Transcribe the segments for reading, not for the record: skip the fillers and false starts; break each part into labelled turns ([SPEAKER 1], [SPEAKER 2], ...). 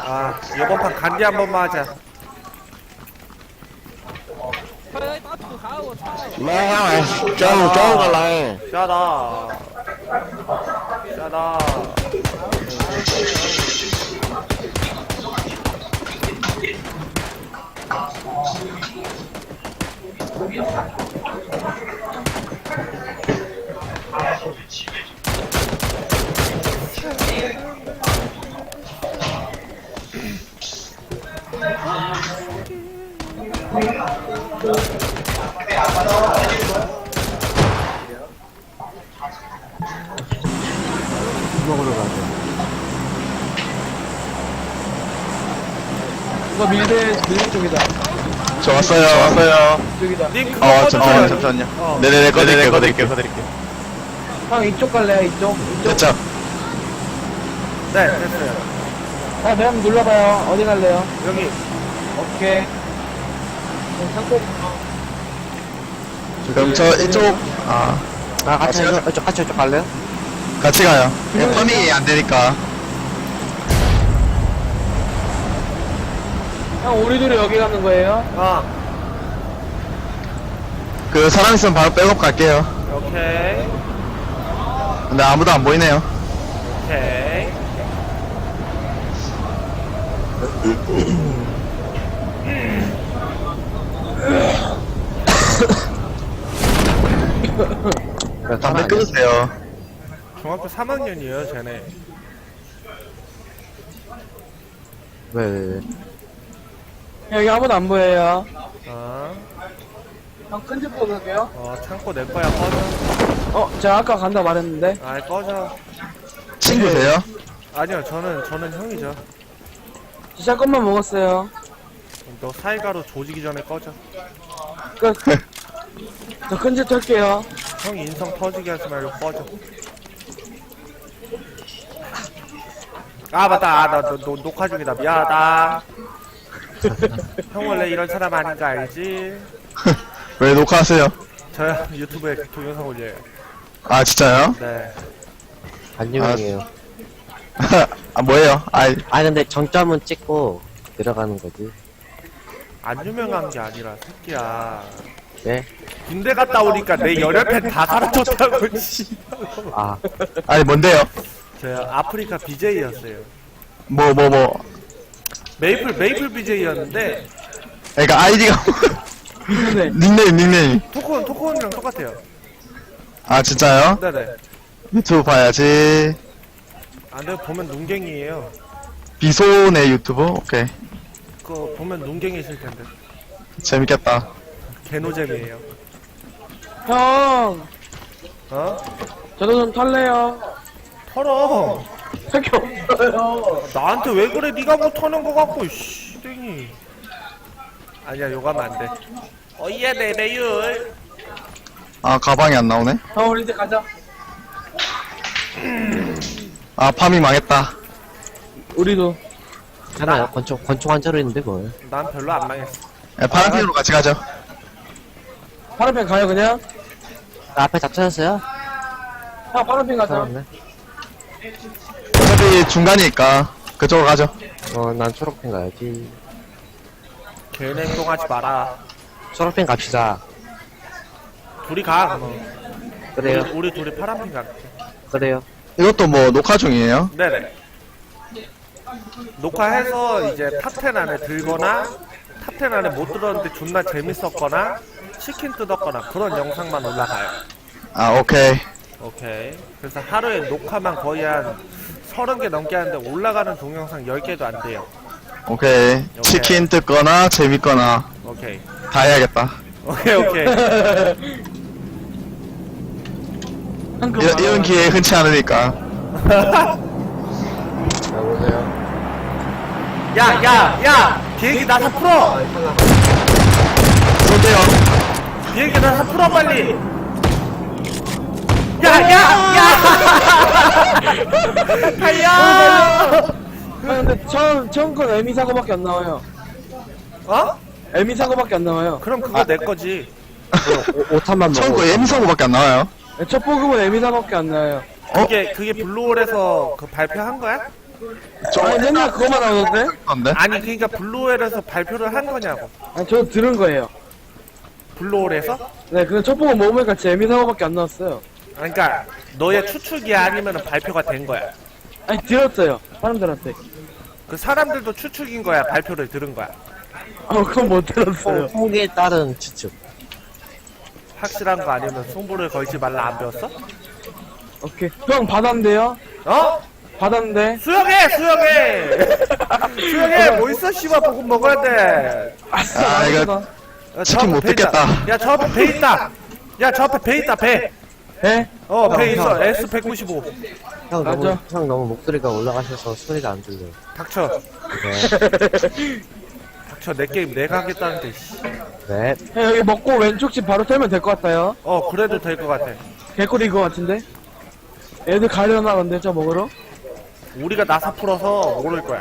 [SPEAKER 1] 아, 이번 판 간디 한 번만 하자.
[SPEAKER 2] เฮ้ยต้อถูกเขาใช่
[SPEAKER 3] แม่จ้องจ้องอะไร
[SPEAKER 1] 짜다. 짜다.
[SPEAKER 3] 먹으러 가자.
[SPEAKER 4] 이거 밀대 쪽이다.
[SPEAKER 3] 저 왔어요.
[SPEAKER 4] 쪽이다.
[SPEAKER 1] 님 그거
[SPEAKER 3] 잠시만요.
[SPEAKER 1] 어.
[SPEAKER 3] 네네네, 꺼드릴게요.
[SPEAKER 4] 형 이쪽 갈래요? 이쪽?
[SPEAKER 3] 됐죠?
[SPEAKER 1] 네, 됐어요.
[SPEAKER 4] 아, 네, 한번 눌러봐요. 어디 갈래요?
[SPEAKER 1] 여기.
[SPEAKER 4] 오케이. 상고
[SPEAKER 3] 그럼 저 이쪽,
[SPEAKER 5] 같이 이쪽 갈래요?
[SPEAKER 3] 같이 가요. 펌이 안 되니까.
[SPEAKER 4] 형, 우리 둘이 여기 가는 거예요?
[SPEAKER 1] 아,
[SPEAKER 3] 그 사람 있으면 바로 백업 갈게요.
[SPEAKER 1] 오케이.
[SPEAKER 3] 근데 아무도 안 보이네요.
[SPEAKER 1] 오케이.
[SPEAKER 3] 담배 끊으세요.
[SPEAKER 1] 중학교 3학년이에요, 쟤네.
[SPEAKER 5] 왜.
[SPEAKER 4] 여기 아무도 안 보여요.
[SPEAKER 1] 아,
[SPEAKER 4] 형, 큰집 보고 갈게요.
[SPEAKER 1] 창고 내 거야, 꺼져.
[SPEAKER 4] 제가 아까 간다고 말했는데.
[SPEAKER 1] 아이, 꺼져.
[SPEAKER 3] 친구세요?
[SPEAKER 1] 아니요, 저는 형이죠.
[SPEAKER 4] 진짜 것만 먹었어요.
[SPEAKER 1] 너 사이가로 조지기 전에 꺼져.
[SPEAKER 4] 저 큰집 털게요.
[SPEAKER 1] 형이 인성 터지게 하지 말고 꺼져. 아, 맞다. 아, 나 녹화 중이다. 미안하다. 형 원래 이런 사람 아닌 거 알지?
[SPEAKER 3] 왜 녹화하세요?
[SPEAKER 1] 저요, 유튜브에 동영상 올려요.
[SPEAKER 3] 아, 진짜요?
[SPEAKER 1] 네.
[SPEAKER 5] 안유명이에요.
[SPEAKER 3] 뭐예요?
[SPEAKER 5] 근데 정점은 찍고 들어가는 거지.
[SPEAKER 1] 안 유명한 게 아니라, 새끼야.
[SPEAKER 5] 네?
[SPEAKER 1] 군대 갔다 오니까 내 열혈팬 다 사라졌다고, 씨.
[SPEAKER 3] 뭔데요?
[SPEAKER 1] 저요, 아프리카 BJ였어요.
[SPEAKER 3] 뭐.
[SPEAKER 1] 메이플 BJ였는데,
[SPEAKER 3] 그러니까 아이디가,
[SPEAKER 4] 네.
[SPEAKER 3] 닉네임.
[SPEAKER 1] 토크온이랑 똑같아요.
[SPEAKER 3] 아, 진짜요?
[SPEAKER 1] 네네.
[SPEAKER 3] 유튜브 봐야지.
[SPEAKER 1] 안 돼요, 보면 눈갱이에요.
[SPEAKER 3] 비손의 유튜브? 오케이.
[SPEAKER 1] 그거 보면 눈갱이실 텐데.
[SPEAKER 3] 재밌겠다.
[SPEAKER 1] 개노잼이에요.
[SPEAKER 4] 형,
[SPEAKER 1] 어?
[SPEAKER 4] 저도 좀 털래요.
[SPEAKER 1] 털어.
[SPEAKER 4] 할게 없어요.
[SPEAKER 1] 나한테 왜 그래? 네가 못 터는 거 같고, 씨, 땡이. 아니야, 욕하면 안 돼. 어이야, 내 배율.
[SPEAKER 3] 아, 가방이 안 나오네?
[SPEAKER 4] 형, 우리 이제 가자.
[SPEAKER 3] 아, 팜이 망했다.
[SPEAKER 4] 우리도.
[SPEAKER 5] 하나요? 권총 한 자루 있는데 뭘.
[SPEAKER 1] 난 별로 안 망했어.
[SPEAKER 3] 파란색으로 같이 가죠.
[SPEAKER 4] 파란펜 가요, 그냥?
[SPEAKER 5] 앞에 다 찾았어요?
[SPEAKER 4] 형, 파란펜 가자.
[SPEAKER 5] 찾았네.
[SPEAKER 3] 어차피 중간이니까 그쪽으로 가죠.
[SPEAKER 5] 난 초록펜 가야지.
[SPEAKER 1] 개인 행동하지 마라.
[SPEAKER 5] 초록펜 갑시다.
[SPEAKER 1] 둘이 가, 그럼.
[SPEAKER 5] 그래요.
[SPEAKER 1] 우리 둘이 파란핑 갈게.
[SPEAKER 5] 그래요.
[SPEAKER 3] 이것도 뭐 녹화 중이에요?
[SPEAKER 1] 네네. 녹화해서 이제 탑10 안에 들거나, 탑10 안에 못 들었는데 존나 재밌었거나, 치킨 뜯었거나, 그런 영상만 올라가요.
[SPEAKER 3] 아, 오케이.
[SPEAKER 1] 오케이. 그래서 하루에 녹화만 거의 한 30개 넘게 하는데 올라가는 동영상 10개도 안 돼요.
[SPEAKER 3] 오케이. 치킨 뜯거나 재밌거나
[SPEAKER 1] 오케이.
[SPEAKER 3] 다 해야겠다.
[SPEAKER 1] 오케이.
[SPEAKER 3] 이런 기회 흔치 않으니까.
[SPEAKER 5] 여보세요?
[SPEAKER 1] 야! 비행기 나사 풀어!
[SPEAKER 3] 쏜대요.
[SPEAKER 1] 비행기 나사 풀어, 빨리! 야! 달려!
[SPEAKER 4] 근데 처음 건 에미 사고밖에 안 나와요.
[SPEAKER 1] 어?
[SPEAKER 4] 에미 사고밖에 안 나와요.
[SPEAKER 1] 그럼 그거 내 거지.
[SPEAKER 5] 5탄만
[SPEAKER 3] 처음
[SPEAKER 5] 먹어.
[SPEAKER 3] 거 예미사고밖에 안 나와요.
[SPEAKER 4] 첫 보급은 에미 사고밖에 안 나와요.
[SPEAKER 1] 그게 블루홀에서 그 발표한 거야?
[SPEAKER 4] 아니, 맨날 그거만 나오던데?
[SPEAKER 3] 건데?
[SPEAKER 1] 아니 그러니까 블루홀에서 발표를 한 거냐고.
[SPEAKER 4] 아니, 저 들은 거예요.
[SPEAKER 1] 블루홀에서?
[SPEAKER 4] 네, 근데 첫 보고 먹으니까 재미사고밖에 안 나왔어요.
[SPEAKER 1] 그러니까 너의 추측이야 아니면 발표가 된 거야?
[SPEAKER 4] 아니, 들었어요. 사람들한테.
[SPEAKER 1] 그 사람들도 추측인 거야 발표를 들은 거야?
[SPEAKER 4] 그건 못 들었어요.
[SPEAKER 5] 통계에 따른 추측.
[SPEAKER 1] 확실한 거 아니면 승부를 걸지 말라 안 배웠어?
[SPEAKER 4] 오케이. 형, 받았는데요?
[SPEAKER 1] 어?
[SPEAKER 4] 받았는데?
[SPEAKER 1] 수영해 수영해 뭐 있어 씨발 보고 먹어야 돼.
[SPEAKER 3] 아, 이거
[SPEAKER 1] 야,
[SPEAKER 3] 치킨
[SPEAKER 1] 저
[SPEAKER 3] 못
[SPEAKER 1] 앞에 배 있다.
[SPEAKER 3] 뜯겠다.
[SPEAKER 1] 야 저 앞에 배 있다. 야 저 앞에 배 있다 배.
[SPEAKER 4] 에?
[SPEAKER 1] 배 있어 S195.
[SPEAKER 5] 형
[SPEAKER 4] 맞아.
[SPEAKER 5] 너무 목소리가 올라가셔서 소리가 안 들려요.
[SPEAKER 1] 닥쳐
[SPEAKER 5] 네.
[SPEAKER 1] 닥쳐 내 게임 내가 하겠다는데 씨.
[SPEAKER 5] 네.
[SPEAKER 4] 형, 여기 먹고 왼쪽 집 바로 털면 될 것 같아요.
[SPEAKER 1] 그래도 될 것 같아.
[SPEAKER 4] 개꿀인 것 같은데? 애들 가려나 근데 저 먹으러?
[SPEAKER 1] 우리가 나사 풀어서 모를 거야.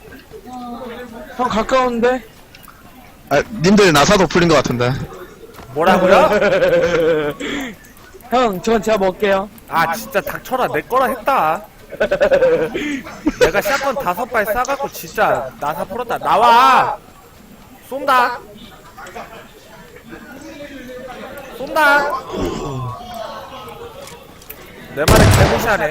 [SPEAKER 4] 형 가까운데?
[SPEAKER 3] 아, 님들 나사도 풀린 것 같은데.
[SPEAKER 1] 뭐라고요?
[SPEAKER 4] 형 저건 제가 먹을게요.
[SPEAKER 1] 아 진짜 닥쳐라 내 거라 했다. 내가 샷건 5발 싸갖고 진짜 나사 풀었다. 나와 쏜다 내 말에 개무시하네.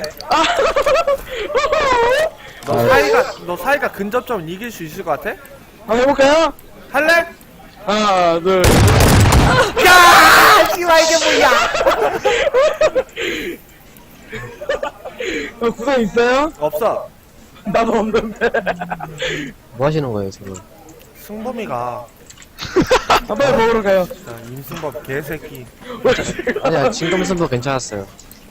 [SPEAKER 1] 너 사이가 근접점 이길 수 있을 것 같아?
[SPEAKER 4] 한번 해볼까요?
[SPEAKER 1] 할래?
[SPEAKER 4] 하나 둘.
[SPEAKER 1] 야 씨발 이게 뭐야?
[SPEAKER 4] 구성 있어요?
[SPEAKER 1] 없어.
[SPEAKER 4] 나도 없는데.
[SPEAKER 5] 뭐 하시는 거예요, 지금?
[SPEAKER 1] 승범이가
[SPEAKER 4] 빨리 먹으러 가요.
[SPEAKER 1] 임승범 개새끼.
[SPEAKER 5] 아니야, 진검승부 괜찮았어요.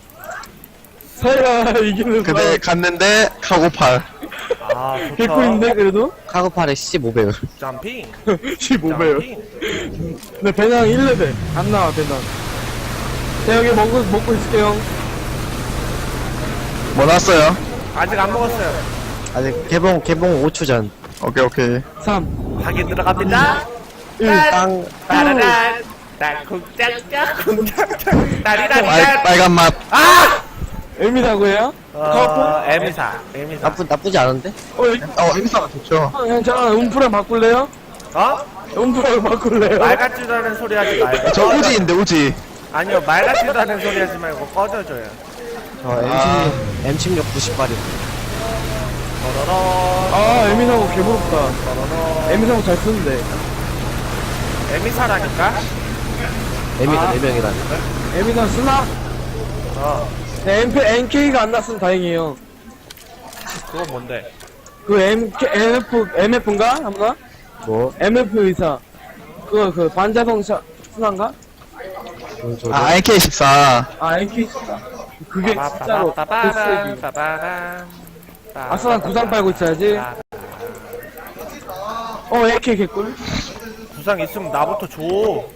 [SPEAKER 4] 사이가 이기는
[SPEAKER 3] 근데 갔는데 카고팔.
[SPEAKER 1] 아 좋다.
[SPEAKER 4] 개꿀인데 그래도?
[SPEAKER 5] 카고팔의 15배율.
[SPEAKER 1] 점핑
[SPEAKER 4] 15배요.
[SPEAKER 1] 점핑.
[SPEAKER 4] 근데 배낭 1레벨 안 나와 배낭. 제가 여기 먹고 있을게요.
[SPEAKER 3] 뭐 났어요?
[SPEAKER 1] 아직 안 먹었어요.
[SPEAKER 5] 아직 개봉 5초 전.
[SPEAKER 3] 오케이.
[SPEAKER 4] 3
[SPEAKER 1] 확인 들어갑니다.
[SPEAKER 4] 1
[SPEAKER 5] 땅.
[SPEAKER 1] 따라란 땅콩짝짝 콩짝짝 따리라리란.
[SPEAKER 3] 빨간 맛.
[SPEAKER 1] 아!
[SPEAKER 4] 애미라고요?
[SPEAKER 1] 에미사
[SPEAKER 5] 나쁘지 않은데?
[SPEAKER 4] 여기
[SPEAKER 3] 행사가 좋죠.
[SPEAKER 4] 형 잠깐 음프랑 바꿀래요?
[SPEAKER 1] 어?
[SPEAKER 4] 음프랑 바꿀래요?
[SPEAKER 1] 말 같지도 않은 소리 하지 말고.
[SPEAKER 3] 저 우지인데, 우지.
[SPEAKER 1] 아니요 말 같지도 않은 소리 하지 말고 꺼져줘요.
[SPEAKER 5] M16 90발이.
[SPEAKER 1] 더러러
[SPEAKER 4] 애미사고 개부럽다.
[SPEAKER 1] 더러러
[SPEAKER 4] 애미사고 잘 쓰는데.
[SPEAKER 1] 에미사라니까?
[SPEAKER 5] M이다, 4명이라니까.
[SPEAKER 4] 애미사 쓰나? 네, NK가 안 났으면 다행이에요.
[SPEAKER 1] 그건 뭔데?
[SPEAKER 4] 그 MF인가? 한가?
[SPEAKER 5] 뭐?
[SPEAKER 4] MF 의사. 그 반자성 순환가?
[SPEAKER 5] 뭔 소리?
[SPEAKER 3] 아, AK14.
[SPEAKER 4] NK 진짜. 그게 진짜로
[SPEAKER 1] 빠바바바바밤
[SPEAKER 4] 개쓰레기.
[SPEAKER 1] 빠바밤
[SPEAKER 4] 아싸 난 구상 빨고 있어야지. AK 개꿀.
[SPEAKER 1] 구상 있으면 나부터 줘.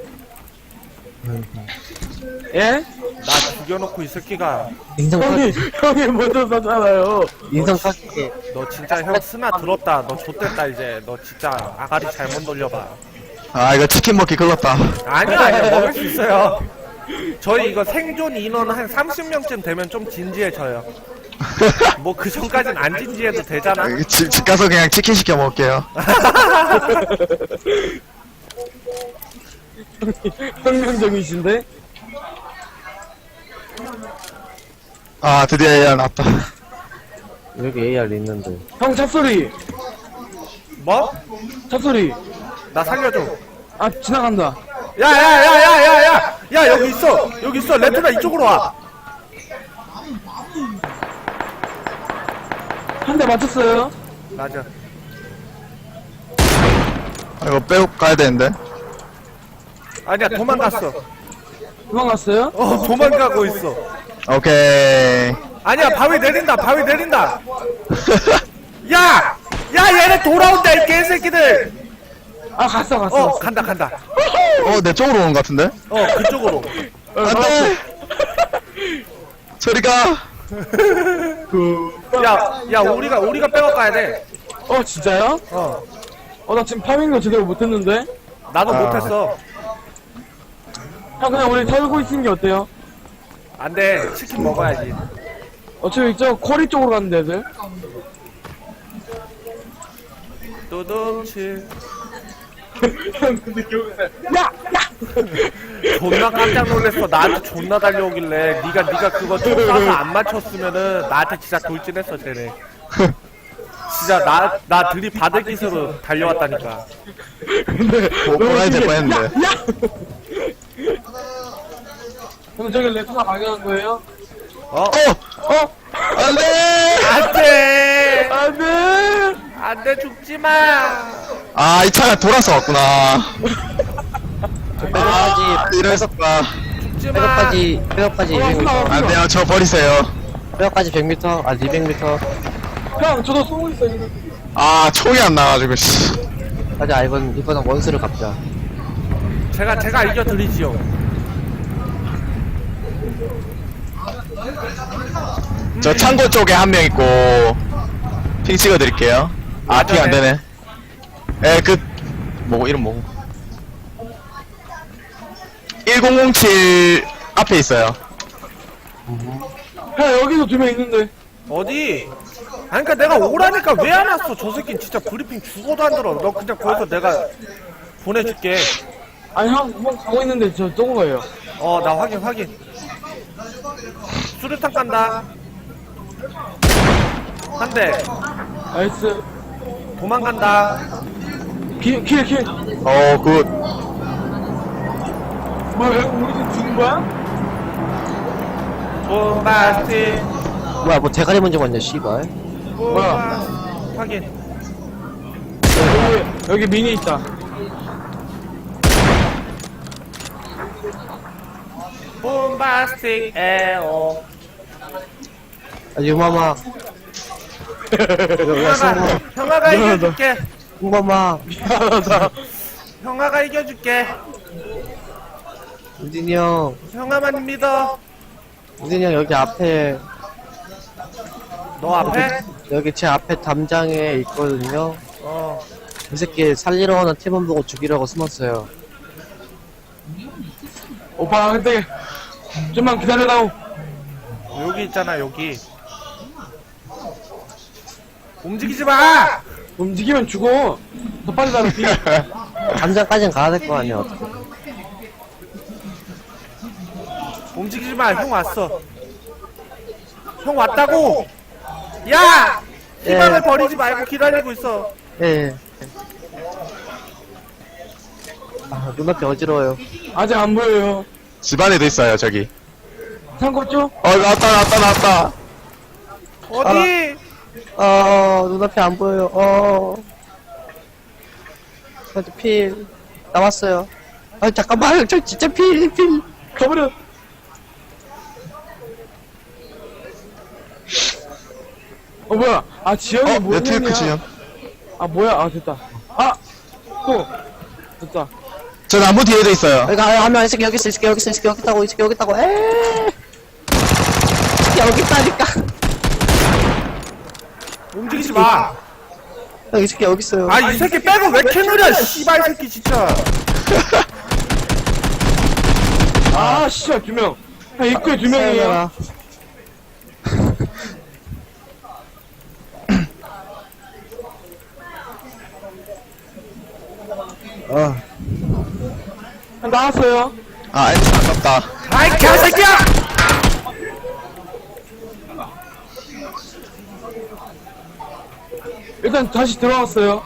[SPEAKER 4] 예?
[SPEAKER 1] 나 죽여놓고 이 새끼가.
[SPEAKER 5] 인성
[SPEAKER 4] 형이 먼저 썼잖아요.
[SPEAKER 5] 깎게.
[SPEAKER 1] 너 진짜 형 스나 들었다. 너 좆됐다 이제. 너 진짜 아가리 잘못 돌려봐.
[SPEAKER 3] 아, 이거 치킨 먹기 글렀다.
[SPEAKER 1] 아니야 먹을 수 있어요. 저희 이거 생존 인원 한 30명쯤 되면 좀 진지해져요. 뭐 그 전까진 안 진지해도 되잖아.
[SPEAKER 3] 집 가서 그냥 치킨 시켜 먹을게요.
[SPEAKER 4] 혁명적이신데?
[SPEAKER 3] 아, 드디어 AR 났다.
[SPEAKER 5] 여기 AR 있는데.
[SPEAKER 4] 형 찹소리!
[SPEAKER 1] 뭐?
[SPEAKER 4] 찹소리!
[SPEAKER 1] 나 살려줘.
[SPEAKER 4] 지나간다.
[SPEAKER 1] 야야야야야야! 야 여기 있어 레트나 이쪽으로 와.
[SPEAKER 4] 한 대 맞췄어요.
[SPEAKER 1] 맞아.
[SPEAKER 3] 아, 이거 빼고 가야 되는데.
[SPEAKER 1] 아니야 도망갔어.
[SPEAKER 4] 도망갔어요?
[SPEAKER 1] 도망가고 있어.
[SPEAKER 3] 오케이.
[SPEAKER 1] 아니야 바위 내린다. 야 얘네 돌아온다 이 개새끼들.
[SPEAKER 4] 갔어.
[SPEAKER 1] 간다.
[SPEAKER 3] 내 쪽으로 오는 것 같은데?
[SPEAKER 1] 그쪽으로.
[SPEAKER 3] 안 돼! 저리 가!
[SPEAKER 1] 야 우리가 빼고 가야 돼.
[SPEAKER 4] 진짜요? 나 지금 파밍도 제대로 못했는데?
[SPEAKER 1] 나도
[SPEAKER 3] 아.
[SPEAKER 1] 못했어.
[SPEAKER 4] 형 그냥 우리 털고 있는 게 어때요?
[SPEAKER 1] 안돼 치킨 먹어야지.
[SPEAKER 4] 어차피 저 쿼리 쪽으로 갔는데 애들
[SPEAKER 1] 두둥칠.
[SPEAKER 4] 형 근데 기억나. 야!
[SPEAKER 1] 존나 깜짝 놀랐어. 나한테 존나 달려오길래 네가 그거 총 쏴서 안 맞췄으면은 나한테 진짜 돌진했어 쟤네. 진짜 나 들이받을 기세로 달려왔다니까.
[SPEAKER 3] 보라야 될 뻔했는데.
[SPEAKER 4] 근데 저기 레토나 발견한 거예요?
[SPEAKER 3] 안돼.
[SPEAKER 1] 안돼
[SPEAKER 4] 안돼!
[SPEAKER 1] 안돼 죽지마.
[SPEAKER 3] 아, 이 차가 돌아서 왔구나.
[SPEAKER 5] 뼈까지,
[SPEAKER 3] 이랬었다.
[SPEAKER 1] 죽지마.
[SPEAKER 5] 뼈까지 200m.
[SPEAKER 3] 안 돼요, 저 버리세요.
[SPEAKER 5] 뼈까지 100m, 200m.
[SPEAKER 4] 형 저도 쏘고 있어요 지금.
[SPEAKER 3] 아, 총이 안 나와가지고, 씨.
[SPEAKER 5] 가자, 이번엔 원수를 갚자.
[SPEAKER 1] 제가 이겨드리지요.
[SPEAKER 3] 저 창고 쪽에 한 명 있고, 핑 찍어드릴게요. 아, 핑 안 되네. 에, 이름 뭐고? 1007 앞에 있어요.
[SPEAKER 4] 형 여기도 2명 있는데.
[SPEAKER 1] 어디? 아니 그니까 내가 오라니까 왜 안 왔어? 저 새끼는 진짜 브리핑 죽어도 안 들어. 너 그냥 거기서 내가 보내줄게.
[SPEAKER 4] 아니 형 가고 있는데 저 쏘은 거예요.
[SPEAKER 1] 나 확인. 수류탄 간다. 한 대.
[SPEAKER 4] 나이스.
[SPEAKER 1] 도망간다.
[SPEAKER 4] 킬.
[SPEAKER 3] 굿.
[SPEAKER 4] 뭐야 형 우리 지금 죽은 거야?
[SPEAKER 1] 봄바스티.
[SPEAKER 5] 뭐야, 뭐 대가리 먼저 왔냐, 씨발.
[SPEAKER 4] 뭐야?
[SPEAKER 1] 확인.
[SPEAKER 4] 여기 미니 있다.
[SPEAKER 1] 봄바스틱 에어.
[SPEAKER 5] 유마마,
[SPEAKER 1] 형아가 이겨줄게.
[SPEAKER 5] 유마마,
[SPEAKER 4] 미안하다.
[SPEAKER 1] 형아가 이겨줄게.
[SPEAKER 5] 우진이 형,
[SPEAKER 1] 형아만 믿어.
[SPEAKER 5] 우진이 형 여기 앞에,
[SPEAKER 1] 너 앞에?
[SPEAKER 5] 여기 제 앞에 담장에 있거든요.
[SPEAKER 1] 어.
[SPEAKER 5] 이 새끼 살리러 오는 팀원 보고 죽이려고 숨었어요.
[SPEAKER 4] 오빠 근데 좀만 기다려다오.
[SPEAKER 1] 여기 있잖아 여기. 움직이지 마.
[SPEAKER 4] 움직이면 죽어. 더 빨리 나를 피.
[SPEAKER 5] 담장까진 가야 될 거 아니야, 어떻게.
[SPEAKER 1] 움직이지 마. 형 왔어. 형 왔다고. 야! 희망을
[SPEAKER 5] 예.
[SPEAKER 1] 버리지 말고 기다리고 있어.
[SPEAKER 5] 예. 아, 눈앞이 어지러워요.
[SPEAKER 4] 아직 안 보여요.
[SPEAKER 3] 집안에도 있어요, 저기.
[SPEAKER 4] 창고 쪽?
[SPEAKER 3] 나왔다.
[SPEAKER 1] 어디?
[SPEAKER 5] 눈앞이 안 보여요. 저한테 필. 남았어요. 아, 잠깐만, 저 진짜 필.
[SPEAKER 4] 가버려. 뭐야? 아 지영이 뭐냐?
[SPEAKER 3] 네트워크 지연.
[SPEAKER 4] 아 뭐야? 아 됐다. 아! 또! 됐다.
[SPEAKER 3] 저 나무 뒤에도 있어요.
[SPEAKER 5] 여기 하면 이 새끼 여기 있어, 이 새끼 여기 있어, 이 새끼 여기 있다고, 이 새끼 여기 있다고. 에이. 이 새끼 여기 있다니까.
[SPEAKER 1] 움직이지 마.
[SPEAKER 5] 형, 이 새끼 여기 있어요.
[SPEAKER 1] 아, 이 새끼 빼고 왜 이렇게 느려? 씨발 새끼 진짜.
[SPEAKER 4] 아 씨발 2명. 아 입구에 2명이에요.
[SPEAKER 5] 사연아.
[SPEAKER 4] 나왔어요.
[SPEAKER 3] 아, 엔진 아깝다.
[SPEAKER 1] 아이 개새끼야!
[SPEAKER 4] 일단 다시 들어왔어요.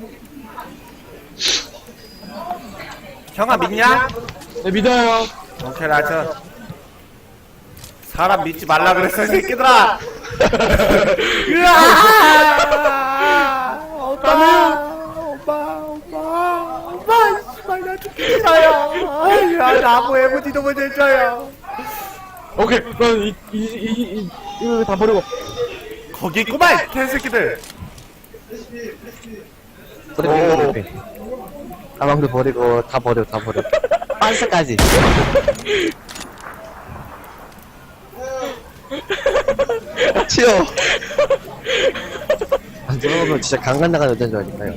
[SPEAKER 1] 형아 믿냐?
[SPEAKER 4] 네 믿어요.
[SPEAKER 1] 오케이 라저. 사람 믿지 말라 그랬어 이 새끼들아. 으아! 오빠, 씨발 나 죽기 싫어요. 야 나무 에버디도 못 해줘요.
[SPEAKER 4] 오케이. 그럼 이거 다 버리고.
[SPEAKER 1] 거기 있구만 개새끼들.
[SPEAKER 5] 브리핑. 가방도 버리고, 다 버려. 반스까지.
[SPEAKER 3] 치워.
[SPEAKER 5] 안 들어오면 진짜 강간 나가는 여자인 줄 아니까요.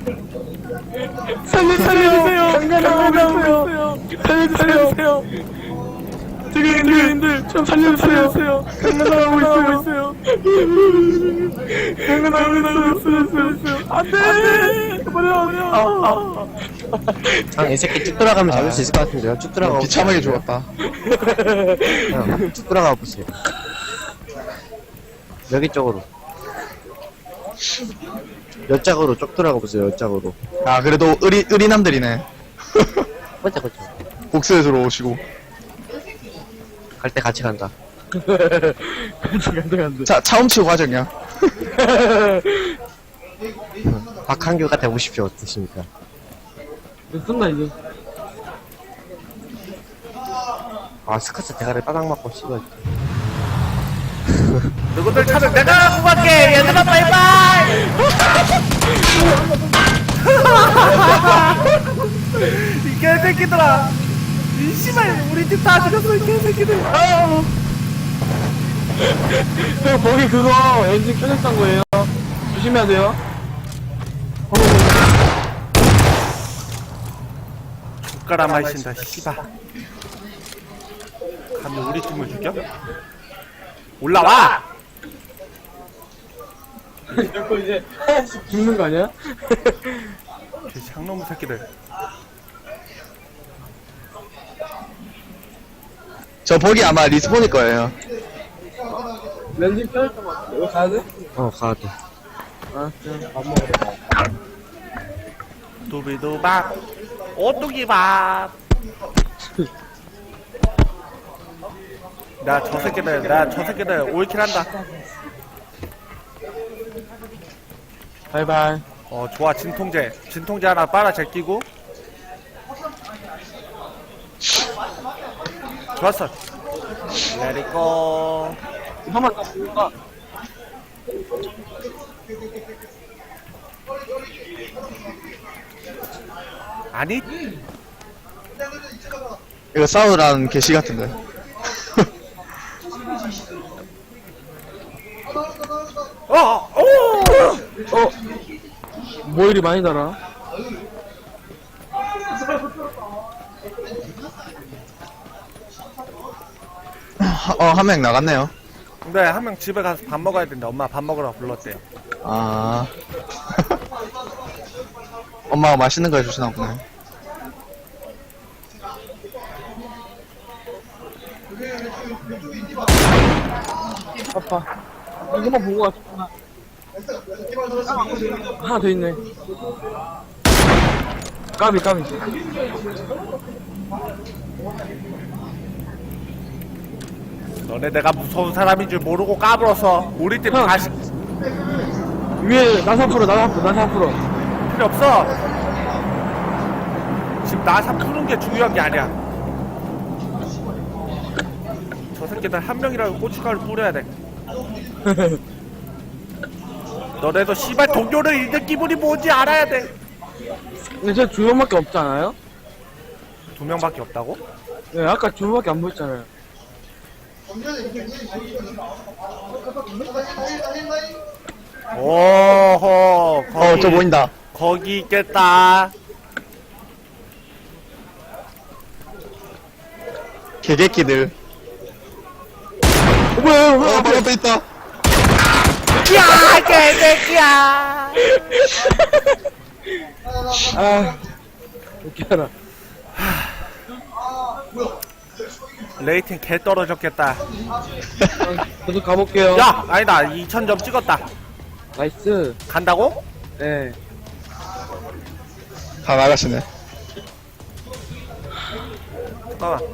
[SPEAKER 4] 살려주세요. 살려주세요. 살려주세요. 님들, 좀 살려주세요. 강간당하고 있어요. 강간당하고 있어요. 안 돼! 버려.
[SPEAKER 5] 이 새끼 쭉 돌아가면 잡을 수 있을 것 같은데요. 쭉 돌아가.
[SPEAKER 3] 비참하게 죽었다.
[SPEAKER 5] 쭉 돌아가 보세요. 여기 쪽으로. 옆짝으로 쭉 돌아가 보세요. 옆짝으로.
[SPEAKER 3] 아, 그래도 의리남들이네.
[SPEAKER 5] 그쵸.
[SPEAKER 3] 복수에 들어오시고.
[SPEAKER 5] 갈 때 같이 간다.
[SPEAKER 4] 간다.
[SPEAKER 3] 자, 차움치고 과정이야.
[SPEAKER 5] 박한규가 되고 싶죠. 어떠십니까?
[SPEAKER 4] 쓴다, 이제.
[SPEAKER 5] 아, 스카스 대가리 빠닥 맞고 씹어.
[SPEAKER 1] 누구들 차는 내가 구할게. 얘들아, 바이바이. 이 개새끼들아. 이 씨발, 우리 집 다 죽였어, 이 개새끼들.
[SPEAKER 4] 형, 거기 그거 엔진 켜졌던 거예요. 조심해야 돼요.
[SPEAKER 1] 젓가락 마신다, 씨발. 감히 우리 팀을 죽여? 올라와!
[SPEAKER 4] 자꾸 이제 하나씩 죽는 거 아니야?
[SPEAKER 1] 저 장놈 새끼들.
[SPEAKER 3] 저 버기 아마 리스폰일 거예요.
[SPEAKER 4] 엔진 켜졌던 거 같아. 이거 가야 돼?
[SPEAKER 5] 가야 돼.
[SPEAKER 4] 아, 진짜. 밥 먹으러.
[SPEAKER 1] 두비두밥, 오뚜기밥. 나 저 새끼들 올킬 한다.
[SPEAKER 4] 바이바이.
[SPEAKER 1] 좋아, 진통제 하나 빨아 제끼고. 좋았어. 레디고.
[SPEAKER 4] 한번 더 볼까?
[SPEAKER 1] 아니,
[SPEAKER 3] 이거 싸우라는 개시 같은데.
[SPEAKER 4] 뭐 이리 많이 달아?
[SPEAKER 3] 한 명 나갔네요.
[SPEAKER 1] 근데 한 명 집에 가서 밥 먹어야 된다. 엄마 밥 먹으러 불렀대요.
[SPEAKER 3] 아. 엄마가 맛있는 거 해주시나 보네.
[SPEAKER 4] 아빠. 이거만 보고 왔구나. 하나 더 있네. 까비.
[SPEAKER 1] 너네 내가 무서운 사람인 줄 모르고 까불어서 우리 팀 다시
[SPEAKER 4] 위에 나사 풀어.
[SPEAKER 1] 필요 없어. 지금 나사 푸는 게 중요한 게 아니야. 저 새끼들 한 명이라도 고춧가루 뿌려야 돼. 너네도 씨발 동료를 잃는 기분이 뭔지 알아야 돼.
[SPEAKER 4] 근데 저 두 명밖에 없지 않아요?
[SPEAKER 1] 2명밖에 없다고?
[SPEAKER 4] 네, 아까 두 명밖에 안 보였잖아요.
[SPEAKER 1] 오호. 거기,
[SPEAKER 3] 저 보인다.
[SPEAKER 1] 거기 있겠다.
[SPEAKER 3] 개개끼들.
[SPEAKER 4] 뭐야?
[SPEAKER 3] 바로 앞에 있다.
[SPEAKER 1] 야, 개새끼야.
[SPEAKER 4] 아, 웃겨라.
[SPEAKER 1] 레이팅 개 떨어졌겠다.
[SPEAKER 4] 저도 가볼게요.
[SPEAKER 1] 야, 아니다. 2000점 찍었다.
[SPEAKER 4] 나이스.
[SPEAKER 1] 간다고?
[SPEAKER 4] 네.
[SPEAKER 3] 다 나가시네.
[SPEAKER 1] 잠깐만.